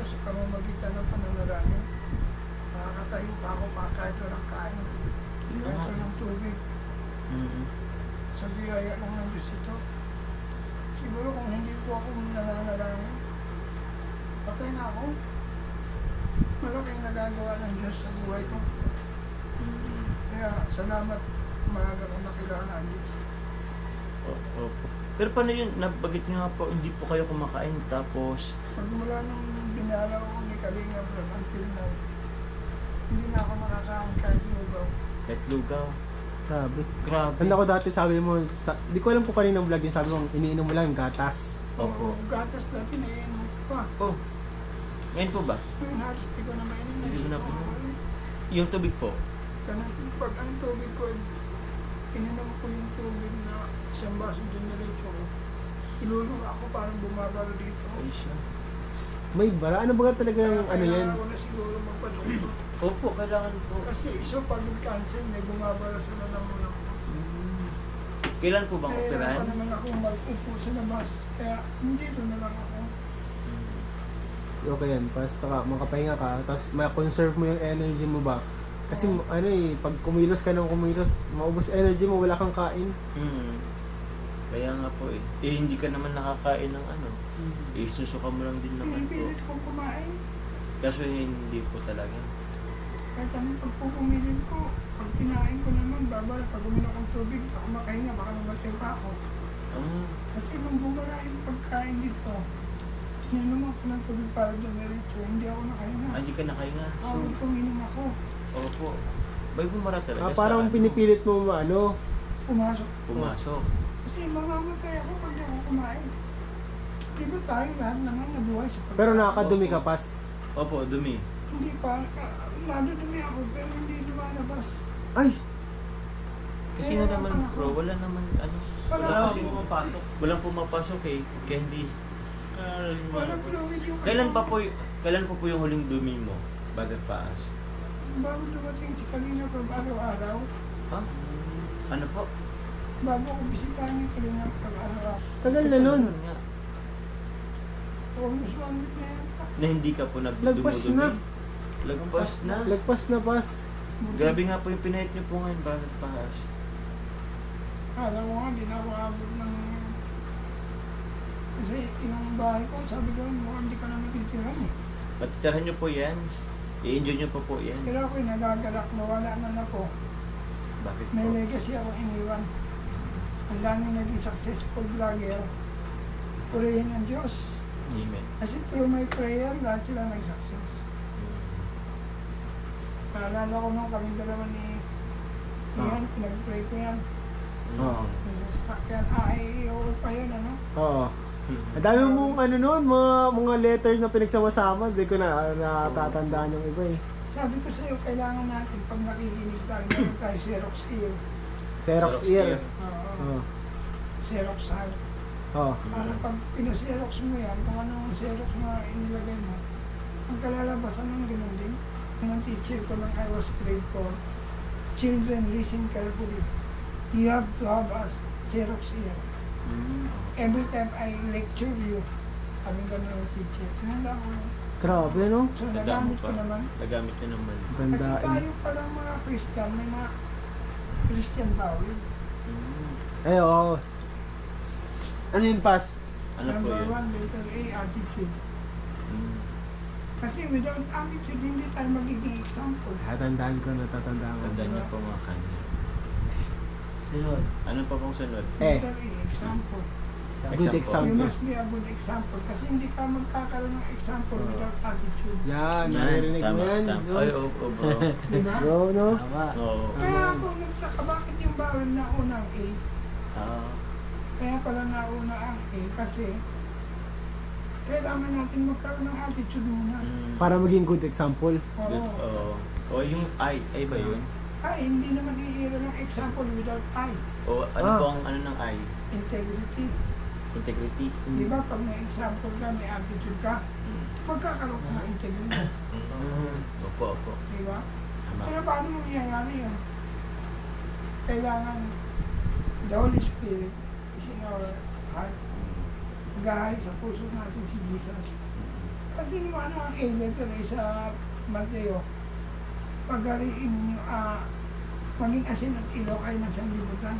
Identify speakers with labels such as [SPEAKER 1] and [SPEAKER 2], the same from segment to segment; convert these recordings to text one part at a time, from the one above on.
[SPEAKER 1] siguro sa pamamagitan ng pananalangin. Makakatayo pa ako pa kahit walang kain. Kahit walang tubig. Sa biyaya lang ng Diyos ito. Siguro kung hindi po ako nananalangin, patay na ako. Malaking nagagawa ng Diyos sa buhay ko. Kaya salamat, maaga kong nakilala ang Diyos.
[SPEAKER 2] Opo. Pero paano yun? Nabagit nga po, hindi po kayo kumakain tapos...
[SPEAKER 1] Pagmula nung binalaw ko ni Kalinga Vlog until now, hindi na ako makakain kahit lugaw.
[SPEAKER 2] Kahit lugaw.
[SPEAKER 3] Grabe.
[SPEAKER 2] Grabe.
[SPEAKER 3] Tanda ko dati sabi mo, di ko alam kung kaninang vlog yun, sabi mo, iniinom mo lang gatas.
[SPEAKER 2] Opo.
[SPEAKER 1] Gatas dati na iinom ko pa.
[SPEAKER 2] Oh. Ngayon po ba?
[SPEAKER 1] Ngayon halos di ko na mainom na
[SPEAKER 2] Hindi mo na
[SPEAKER 1] isusok
[SPEAKER 2] po.
[SPEAKER 1] ako.
[SPEAKER 2] Yung tubig po?
[SPEAKER 1] Ganun, pag ang tubig ko, ininom ko yung tubig na isang baso dinerecho ko. Ilulong ako parang bumabalo dito.
[SPEAKER 2] Ay siya.
[SPEAKER 3] May bara? Ano ba talaga yung ano yan?
[SPEAKER 1] Kailangan ko na siguro magpadoktor.
[SPEAKER 2] Opo, kailangan po.
[SPEAKER 1] Kasi esophageal cancer, may bumabalo sa lalamunan ko.
[SPEAKER 2] Kailan po bang
[SPEAKER 1] Kaya
[SPEAKER 2] operahan?
[SPEAKER 1] pa naman ako mag-upo sa labas. Kaya hindi doon na lang ako.
[SPEAKER 3] Okay yan, pas saka makapahinga ka, tapos ma-conserve mo yung energy mo ba? Kasi ano eh, pag kumilos ka ng kumilos, maubos energy mo, wala kang kain.
[SPEAKER 2] Kaya nga po eh. Eh hindi ka naman nakakain ng ano. Eh susuka mo lang din naman po.
[SPEAKER 1] Pinipilit kong kumain.
[SPEAKER 2] Kaso hindi po talaga.
[SPEAKER 1] Kahit anong pagpupumilit ko, pag kinain ko naman, babala, pag uminom akong tubig, ako makahinga, baka namatay pa ako. Kasi nung bumala yung pagkain dito, naman ko ng tubig para dumiretso, hindi ako nakahinga.
[SPEAKER 2] Hindi ka nakahinga.
[SPEAKER 1] Awal kong inom ako.
[SPEAKER 2] Opo. May bumara talaga
[SPEAKER 3] Parang
[SPEAKER 2] sa
[SPEAKER 3] pinipilit mo ano,
[SPEAKER 1] Pumasok.
[SPEAKER 2] pumasok.
[SPEAKER 1] Kasi mamamatay ako pag di ako kumain. Di ba tayo lahat naman nabuhay sa pagkain?
[SPEAKER 3] pero nakakadumi ka pas.
[SPEAKER 2] Opo, dumi.
[SPEAKER 1] Hindi pa, nadudumi ako pero hindi lumalabas.
[SPEAKER 3] Ay!
[SPEAKER 2] Kasi nga naman bro, wala naman ano.
[SPEAKER 1] Wala
[SPEAKER 2] kasi pumapasok. Walang pumapasok eh. Kaya hindi.
[SPEAKER 1] Walang fluid yung
[SPEAKER 2] Kailan po yung huling dumi mo? Bagat paas.
[SPEAKER 1] bago dumating si Kalina pag araw-araw,
[SPEAKER 2] Ha? Ano po?
[SPEAKER 1] bago ko bisitahin yung Kalina pag araw-araw.
[SPEAKER 3] Tagal na nun.
[SPEAKER 2] Nga.
[SPEAKER 1] Almost 1 week na yan.
[SPEAKER 2] Na hindi ka po
[SPEAKER 3] Lagpas na.
[SPEAKER 2] Lagpas na.
[SPEAKER 3] Lagpas na pas.
[SPEAKER 2] Grabe nga po yung pinahit niyo po ngayon. Bagat paas.
[SPEAKER 1] Alam mo nga, hindi na ako abot ng... Kasi yung bahay ko, sabi ko, mukhang hindi ka na matitiran eh.
[SPEAKER 2] Patitirahan niyo po yan. I-enjoy niyo po yan.
[SPEAKER 1] Pero ako'y nagagalak, nawala man ako.
[SPEAKER 2] Bakit po?
[SPEAKER 1] May legacy ako iniwan. Ang daming naging successful vlogger. Purihin ng Diyos.
[SPEAKER 2] Amen.
[SPEAKER 1] Kasi through my prayer, lahat sila nag-success. Naalala ko nung kaming dalawa ni Ian, pinag-pray ko yan.
[SPEAKER 3] Oo.
[SPEAKER 1] Sasakyan, AIEO pa yun, ano?
[SPEAKER 3] Oo. Ang dami mong ano nun, mga letter na pinagsama-sama, hindi ko na natatandaan yung iba eh.
[SPEAKER 1] Sabi ko sa'yo, kailangan natin pag nakikinig tayo, meron tayo Xerox ear.
[SPEAKER 3] Xerox ear.
[SPEAKER 1] Oo. Xerox heart.
[SPEAKER 3] Oo.
[SPEAKER 1] Para pag pina-Xerox mo yan, kung anong Xerox na inilagay mo, ang kalalabasan ng ganun din. Ang teacher ko nang I was grade 4, children listen carefully. You have to have a Xerox ear. Every time I lecture you, sabi ko ng teacher, sinala ko.
[SPEAKER 3] Grabe no?
[SPEAKER 1] So nagamit ko naman.
[SPEAKER 2] Nagamit niyo naman.
[SPEAKER 1] Kasi
[SPEAKER 3] Gandaan.
[SPEAKER 1] tayo palang mga Christian, may mga Christian bawal.
[SPEAKER 3] Eh oo. Ano yun pas?
[SPEAKER 2] Ano po
[SPEAKER 1] Number
[SPEAKER 2] yun?
[SPEAKER 1] 1, letter A, attitude.
[SPEAKER 2] Mm.
[SPEAKER 1] Kasi without attitude, hindi tayo magiging example.
[SPEAKER 3] Tatandaan ko, natatandaan ko.
[SPEAKER 2] Tandaan niyo po mga kanya.
[SPEAKER 3] Sunod.
[SPEAKER 2] Ano pa pong sunod?
[SPEAKER 1] Letter A, example.
[SPEAKER 3] Good
[SPEAKER 1] You
[SPEAKER 3] example.
[SPEAKER 1] must be a good example. Kasi hindi ka magkakaroon ng example without attitude.
[SPEAKER 3] Yan, naririnig mo yan.
[SPEAKER 2] Ay, oo, bro.
[SPEAKER 1] Di ba?
[SPEAKER 3] Bro, no?
[SPEAKER 2] Oo.
[SPEAKER 1] Kaya ako nagtaka, bakit yung bawal nauna ang A?
[SPEAKER 2] Ah,
[SPEAKER 1] Kaya pala nauna ang A kasi kailangan natin magkaroon ng attitude muna.
[SPEAKER 3] Para maging good example.
[SPEAKER 2] good.
[SPEAKER 1] Oo.
[SPEAKER 2] Oo. O yung ay ba yun?
[SPEAKER 1] Ay, hindi naman iira ng example without I.
[SPEAKER 2] O ano
[SPEAKER 3] Ah.
[SPEAKER 2] po ang ano ng ay?
[SPEAKER 1] Integrity.
[SPEAKER 2] Integrity.
[SPEAKER 1] Di ba pag may example ka, may attitude ka, magkakaroon ka ng integrity.
[SPEAKER 2] Opo, opo.
[SPEAKER 1] Di ba?
[SPEAKER 2] Tama.
[SPEAKER 1] Pero paano mangyayari yun? Kailangan the Holy Spirit is in our heart. Gahay sa puso natin si Jesus. Kasi naman ang elevator ay sa Mateo, pagariin ninyo, maging asin at ilaw kayo ng sanlibutan.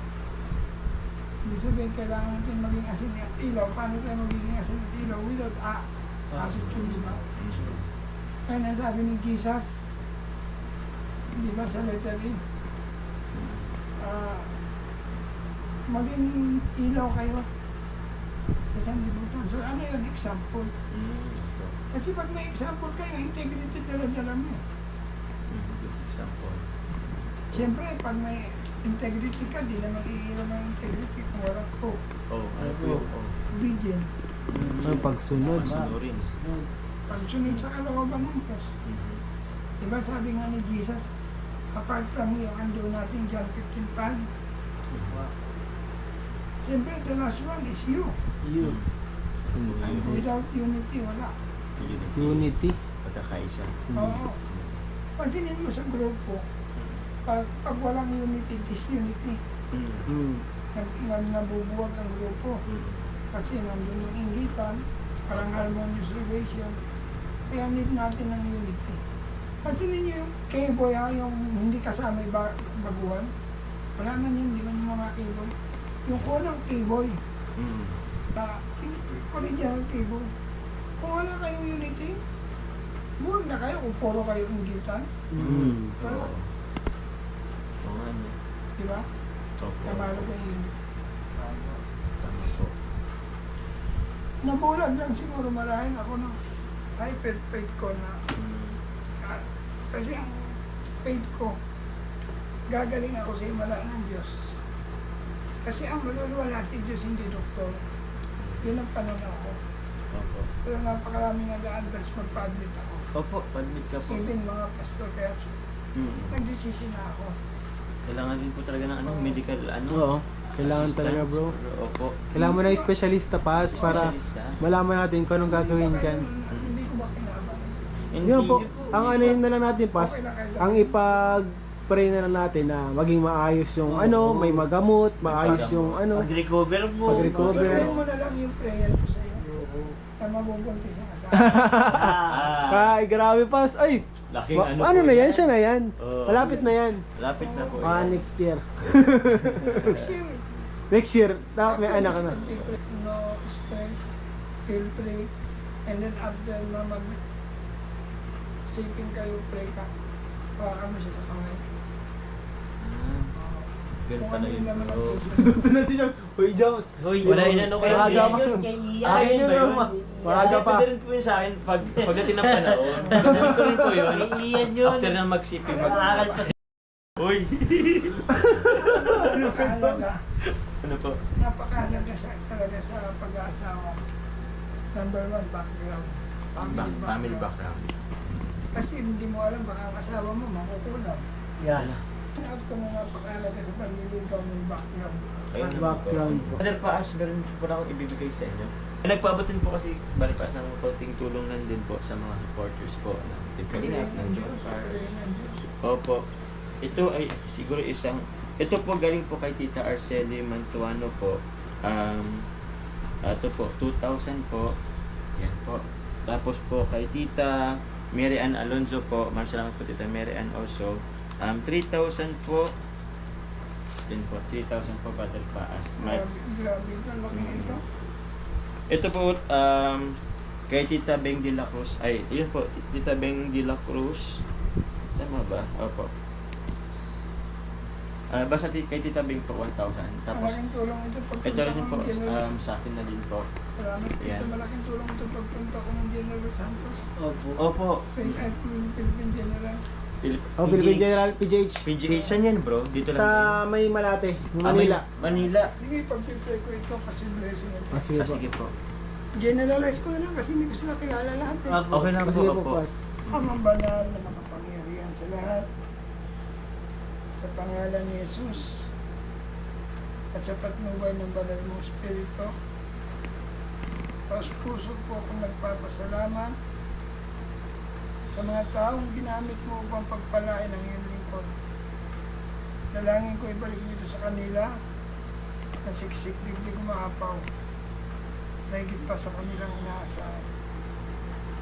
[SPEAKER 1] Ibig sabihin, kailangan natin maging asin at ilaw. Paano tayo magiging asin at ilaw without attitude, di ba? Kaya nasabi ni Jesus, di ba sa letter A, maging ilaw kayo sa sanlibutan. So ano yun? Example. Kasi pag may example kayo, integrity dala-dala mo.
[SPEAKER 2] Good example.
[SPEAKER 1] Siyempre, pag may integrity ka, di naman iilaw ng integrity kung walang hope.
[SPEAKER 2] Ano po yun?
[SPEAKER 1] Obedient.
[SPEAKER 3] Ang pagsunod.
[SPEAKER 2] Masunurin.
[SPEAKER 1] Pagsunod sa kalooban ng Diyos. Diba sabi nga ni Jesus, apart from you, ando natin John 15:5. Siyempre, the last one is you.
[SPEAKER 3] You.
[SPEAKER 1] And without unity, wala.
[SPEAKER 3] Unity.
[SPEAKER 2] Pagkakaisa.
[SPEAKER 1] Oo. Pansinin mo sa grupo, pag walang unity, disunity. Nabubuwag ang grupo. Kasi nandun yung inggitan, parang harmonious relation. Kaya need natin ng unity. Pansinin nyo yung K-boy, yung hindi kasama yung baguhan. Wala na yun, di ba yung mga K-boy? Yung unang K-boy, original K-boy. Kung wala kayong unity, buwag na kayo kung puro kayo inggitan. Wala.
[SPEAKER 2] Oo nga, no?
[SPEAKER 1] Di ba?
[SPEAKER 2] Opo.
[SPEAKER 1] Kamalo kayo yun.
[SPEAKER 2] Tama po.
[SPEAKER 1] Nabulag lang siguro marahil ako ng hyper-faith ko na kasi ang faith ko, gagaling ako sa himala ng Diyos. Kasi ang maluluwala si Diyos, hindi doktor. Yun ang pananaw ko.
[SPEAKER 2] Opo.
[SPEAKER 1] Pero napakaraming nag-a-advance magpa-admit ako.
[SPEAKER 2] Opo, padmit ka po.
[SPEAKER 1] Even mga pastor, kaya nagdesisyon na ako.
[SPEAKER 2] Kailangan din po talaga ng medical
[SPEAKER 3] Oo. Kailangan
[SPEAKER 2] assistant.
[SPEAKER 3] talaga, bro.
[SPEAKER 2] Opo.
[SPEAKER 3] Kailangan mo na yung specialista pa para
[SPEAKER 2] Specialista.
[SPEAKER 3] malaman natin kung anong gagawin dyan.
[SPEAKER 1] Hindi ko ba kinaban?
[SPEAKER 2] Hindi
[SPEAKER 3] Yun po,
[SPEAKER 2] po.
[SPEAKER 3] ang ano yun na lang natin, Pas, ang ipag-pray na lang natin na maging maayos yung may magamot, maayos yung
[SPEAKER 2] Pag-recover po.
[SPEAKER 3] Pag-recover.
[SPEAKER 1] Sabihin mo na lang yung prayer ko sa'yo. Na mabubuntis yung asawa.
[SPEAKER 3] Ay, grabe, Pas. Ay,
[SPEAKER 2] Laking
[SPEAKER 3] ano
[SPEAKER 2] po
[SPEAKER 3] na yan? Siya na yan.
[SPEAKER 2] Oo.
[SPEAKER 3] Malapit na yan.
[SPEAKER 2] Malapit na po.
[SPEAKER 3] Next year.
[SPEAKER 1] Kasi
[SPEAKER 3] Next year, may anak ka na.
[SPEAKER 1] no stress, feel free, and then after na sipin kayo, pray ka. Hawakan mo siya sa kamay.
[SPEAKER 2] Ganun
[SPEAKER 1] Kung
[SPEAKER 2] pala
[SPEAKER 1] ano
[SPEAKER 2] yun.
[SPEAKER 1] yung laman ng
[SPEAKER 2] Oo.
[SPEAKER 1] puso.
[SPEAKER 3] Doon na si Jom. Uy, Joms.
[SPEAKER 2] Wala inano ko
[SPEAKER 3] Maaga
[SPEAKER 2] yan.
[SPEAKER 3] pa.
[SPEAKER 4] Akin
[SPEAKER 3] Akin yun,
[SPEAKER 4] yun,
[SPEAKER 3] Roma. Maaga pa.
[SPEAKER 2] Pwede rin po yun sa akin pagdating ng panahon. Ganun ko rin po yun.
[SPEAKER 4] Iyan yun.
[SPEAKER 2] After na magsipin.
[SPEAKER 4] Makakal pa
[SPEAKER 2] Uy!
[SPEAKER 1] Napakahalaga.
[SPEAKER 2] Ano po?
[SPEAKER 1] Napakahalaga talaga sa pag-aasawa. Number one, background.
[SPEAKER 2] Family background.
[SPEAKER 1] Kasi hindi mo alam, baka ang asawa mo makukulang.
[SPEAKER 4] Yan.
[SPEAKER 1] Out ko na napakahalaga sa panliligaw ng background.
[SPEAKER 2] Ayun naman po.
[SPEAKER 3] Background po.
[SPEAKER 2] Brother Paas, meron po na akong ibibigay sa inyo. Nagpabutin po kasi Brother Paas ng konting tulong lang din po sa mga supporters po ng Team Kalingap, ng John Carr. Opo. Ito ay siguro ito po galing po kay Tita Arceli Mantuano po. Ito po, 2,000 po. Yan po. Tapos po kay Tita Mary Ann Alonzo po. Maraming po Tita Mary Ann also. 3,000 po. Din po, 3,000 po Brother Paas.
[SPEAKER 1] Grabe ito, laki ito.
[SPEAKER 2] Ito po, kay Tita Beng de la Cruz. Ay, yun po, Tita Beng de la Cruz. Tama ba? Opo. Basta kay Tita Beng po, 1,000. Tapos,
[SPEAKER 1] Malaking tulong ito pagpunta
[SPEAKER 2] ito rin
[SPEAKER 1] ko
[SPEAKER 2] po,
[SPEAKER 1] ng General.
[SPEAKER 2] sa akin na din po.
[SPEAKER 1] Salamat.
[SPEAKER 2] Yan.
[SPEAKER 1] Ito malaking tulong ito pagpunta ko ng General Santos.
[SPEAKER 4] Opo.
[SPEAKER 2] Opo.
[SPEAKER 1] Philippine General.
[SPEAKER 3] Philippine General PGH.
[SPEAKER 2] PGH, saan yan bro? Dito lang.
[SPEAKER 3] Sa may Malate,
[SPEAKER 2] Ah,
[SPEAKER 3] Manila.
[SPEAKER 2] Manila.
[SPEAKER 1] Sige, pag-pray ko ito kasi blessing ito.
[SPEAKER 3] Sige po.
[SPEAKER 2] Sige po.
[SPEAKER 1] Generalize ko na lang kasi hindi ko sila kilala lahat eh.
[SPEAKER 2] Okay lang po.
[SPEAKER 3] Sige po,
[SPEAKER 2] Opo.
[SPEAKER 3] Pas.
[SPEAKER 1] Ang banal na makapangyarihan sa lahat. Sa pangalan ni Jesus. At sa patnubay ng banal mong Espiritu. Taos puso po akong nagpapasalamat sa mga taong ginamit mo upang pagpalain ang iyong lingkod. Dalangin ko ibalik nito sa kanila na siksik digdig umaapaw. Mahigit pa sa kanilang inaasahan.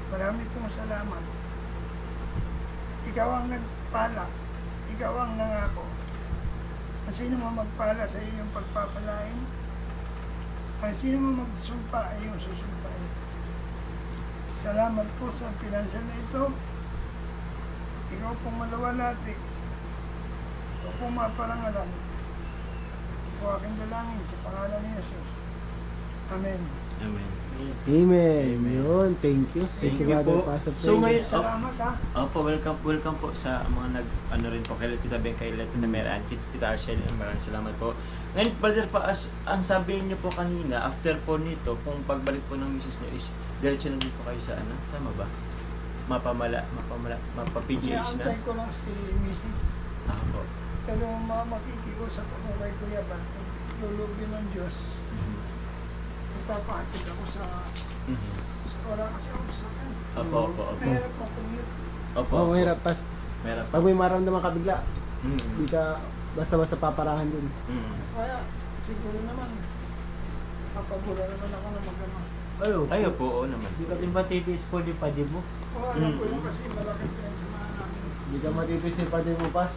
[SPEAKER 1] Marami pong salamat. Ikaw ang nagpala. Ikaw ang nangako. Ang sino mo magpala sa iyong pagpapalain, ang sino mo magsumpa ay iyong susumpain. Salamat po sa pinansyal na ito. Ikaw pong maluwalhati. Ikaw pong maparangalan. Ito aking dalangin sa pangalan ni Jesus. Amen.
[SPEAKER 2] Amen.
[SPEAKER 3] Amen.
[SPEAKER 2] Amen.
[SPEAKER 3] Yun, thank you. Thank you, Brother
[SPEAKER 2] po.
[SPEAKER 3] Paz.
[SPEAKER 2] So ngayon,
[SPEAKER 1] Salamat ha.
[SPEAKER 2] Opo, welcome po sa mga ano rin po kay Tita Ben, kay Tita Meran, Tita Arcel, maraming salamat po. Ngayon, Brother Paas, ang sabi niyo po kanina, after po nito, kung pagbalik po ng misis niyo is, diretso na din po kayo sa ano? Tama ba? Mapa-PGH na?
[SPEAKER 1] Inaantay ko lang si Mrs.
[SPEAKER 2] Po.
[SPEAKER 1] Pero makikiusap ako kay Kuya Bal. Kung lulubin ng Diyos, itapahatid ako sa oras kasi ako sa akin.
[SPEAKER 2] Opo.
[SPEAKER 1] Mahirap po commute.
[SPEAKER 2] Opo.
[SPEAKER 3] Oh, mahirap. Pas,
[SPEAKER 2] Mahirap po.
[SPEAKER 3] pag may maramdaman ka bigla,
[SPEAKER 2] Mm.
[SPEAKER 3] hindi ka basta-basta paparahan dun.
[SPEAKER 2] Mm.
[SPEAKER 1] Kaya siguro naman, kapabula naman ako na mag-ama.
[SPEAKER 2] Ayo po, oo naman.
[SPEAKER 4] Hindi ka din matitiis po di pa, di mo?
[SPEAKER 1] Oo, alam ko yun kasi malaki pinagsamahan namin.
[SPEAKER 3] Hindi ka matitisin pa din mo, Pas.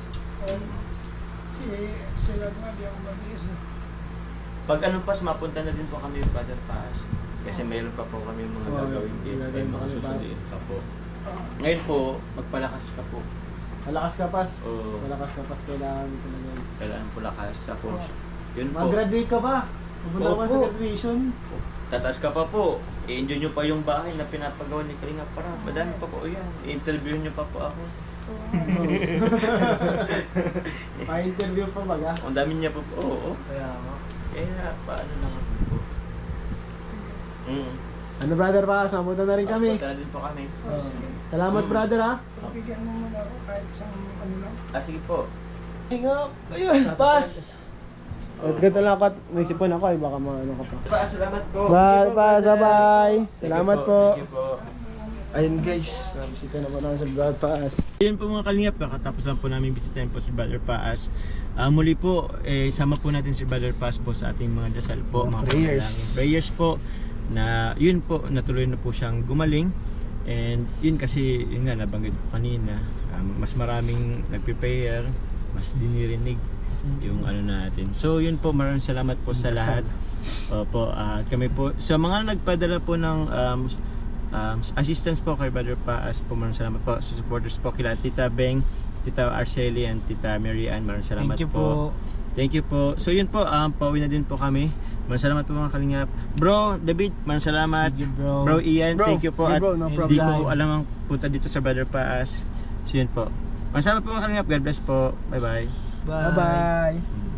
[SPEAKER 1] Sila nga, di ako mabilis.
[SPEAKER 2] Pag ano pas, mapunta na din po kami yung Brother Paas. Kasi mayroon pa po kami mga gagawin din. May mga susunduin pa po. Ngayon po, magpalakas ka po.
[SPEAKER 3] Malakas ka, Pas.
[SPEAKER 2] Oo.
[SPEAKER 3] Malakas ka, Pas. Kailangan mo talaga.
[SPEAKER 2] Kailangan po lakas. Tapos, yun po.
[SPEAKER 3] Mag-graduate ka ba? Pupunta ka ba
[SPEAKER 2] Opo.
[SPEAKER 3] sa graduation?
[SPEAKER 2] Tataas ka pa po. I-enjoy nyo pa yung bahay na pinapagawa ni Kalinga para. Madami pa po yan. I-interview nyo pa po ako.
[SPEAKER 3] Pa-interview pa ba ga?
[SPEAKER 2] Ang dami niya po po. Oo.
[SPEAKER 4] Kaya nga.
[SPEAKER 2] Kaya paano naman po.
[SPEAKER 3] Ano, Brother Pas? Mapunta na rin kami.
[SPEAKER 2] Punta na din po kami.
[SPEAKER 3] Salamat, brother, ha?
[SPEAKER 1] Bigyan mo muna ako kahit isang ano lang.
[SPEAKER 2] Sige po.
[SPEAKER 3] Ayun, Pas! At ganito lang ako at may sipon ako ay baka maano ka pa.
[SPEAKER 2] Pa, salamat po.
[SPEAKER 3] Bye, Pas! Bye-bye! Salamat po!
[SPEAKER 2] Thank you po.
[SPEAKER 3] Ayun guys, nabisita na po namin sa Brother Paas.
[SPEAKER 2] Yun po mga kalingap, kakatapos lang po namin bisitahin po si Brother Paas. Muli po, sama po natin si Brother Paas po sa ating mga dasal po, mga
[SPEAKER 3] Prayers.
[SPEAKER 2] panalangin. Prayers po na yun po, natuloy na po siyang gumaling. And yun kasi, yun nga, nabanggit ko kanina, mas maraming nagpe-prayer, mas dinirinig yung ano natin. So yun po, maraming salamat po sa lahat. Opo, at kami po, sa mga nagpadala po ng assistance po kay Brother Paas po, maraming salamat po sa supporters po kila Tita Beng, Tita Arceli and Tita Mary Ann, maraming salamat
[SPEAKER 4] Thank you po.
[SPEAKER 2] Thank you po. So yun po, pauwi na din po kami. Maraming salamat po mga kalingap. Bro, David, maraming salamat.
[SPEAKER 4] Sige, bro.
[SPEAKER 2] Bro Ian,
[SPEAKER 3] Bro,
[SPEAKER 2] thank you po.
[SPEAKER 3] sige,
[SPEAKER 2] At
[SPEAKER 3] bro, no
[SPEAKER 2] di
[SPEAKER 4] problem.
[SPEAKER 2] ko alam ang punta dito sa Brother Paas. So yun po. Maraming salamat po mga kalingap. God bless po. Bye bye.
[SPEAKER 4] Bye.
[SPEAKER 3] Bye-bye!